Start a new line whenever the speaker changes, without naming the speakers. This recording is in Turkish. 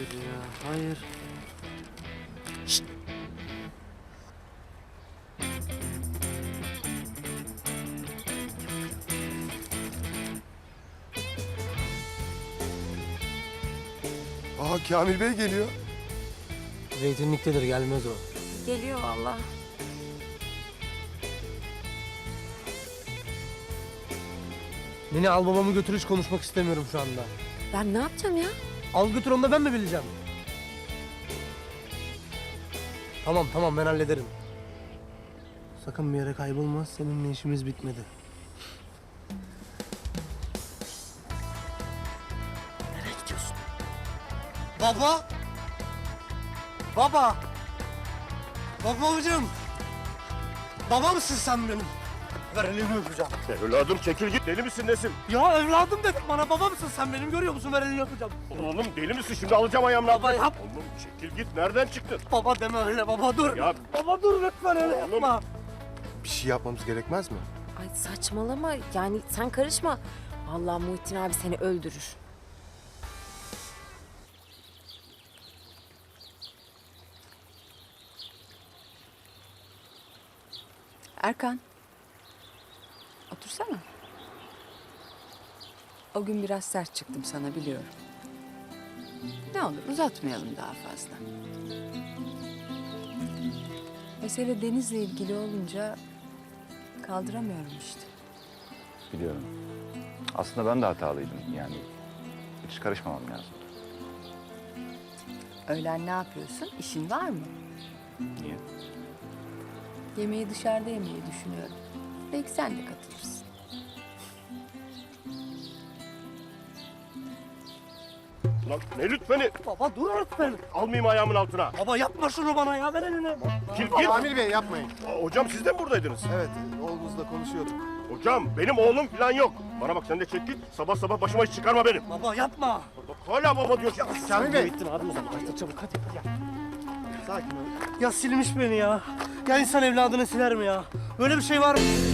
ya, hayır. Şşt!
Aa, Kamil Bey geliyor.
Zeytinliktedir, gelmez o.
Geliyor valla.
Nene, al babamı götür, hiç konuşmak istemiyorum şu anda.
Ben ne yapacağım ya?
Al götür, onu da ben mi bileceğim? Tamam, ben hallederim. Sakın bir yere kaybolma, seninle işimiz bitmedi. Nereye gidiyorsun? Baba! Baba! Babacığım! Baba mısın sen benim? Ver elini öpeceğim.
Evladım çekil git. Deli misin nesin?
Ya evladım dedim bana, baba mısın sen benim, görüyor musun? Ver elini öpeceğim.
Oğlum deli misin? Şimdi alacağım ayağımla.
Baba yap.
Oğlum çekil git. Nereden çıktın?
Baba deme öyle, baba dur.
Ya
Baba dur lütfen, öyle
Oğlum.
yapma.
Bir şey yapmamız gerekmez mi?
Ay saçmalama, yani sen karışma. Vallahi Muhittin abi seni öldürür.
Erkan. Otursana. O gün biraz sert çıktım sana, biliyorum. Ne olur uzatmayalım daha fazla. Mesele Deniz'le ilgili olunca kaldıramıyorum işte.
Biliyorum. Aslında ben de hatalıydım. Yani hiç karışmamam lazım.
Öğlen ne yapıyorsun? İşin var mı?
Niye?
Yemeği dışarıda yemeyi düşünüyorum. Belki sen de katılırsın.
lan ne lütfeni?
Baba dur lütfen.
Almayayım ayağımın altına.
Baba yapma şunu bana ya, ver elini.
Git git.
Kamil Bey yapmayın.
Hocam siz de mi buradaydınız?
Evet, oğlumuzla konuşuyorduk.
Hocam benim oğlum falan yok. Bana bak sen de çek git. Sabah sabah başıma iş çıkarma benim.
Baba yapma.
Bak hala baba diyorsun.
Kamil Bey.
Bittin abi, uzaklaştır çabuk hadi. Ya.
Sakin ol.
Ya silmiş beni ya. Ya insan evladını siler mi ya? Böyle bir şey var mı?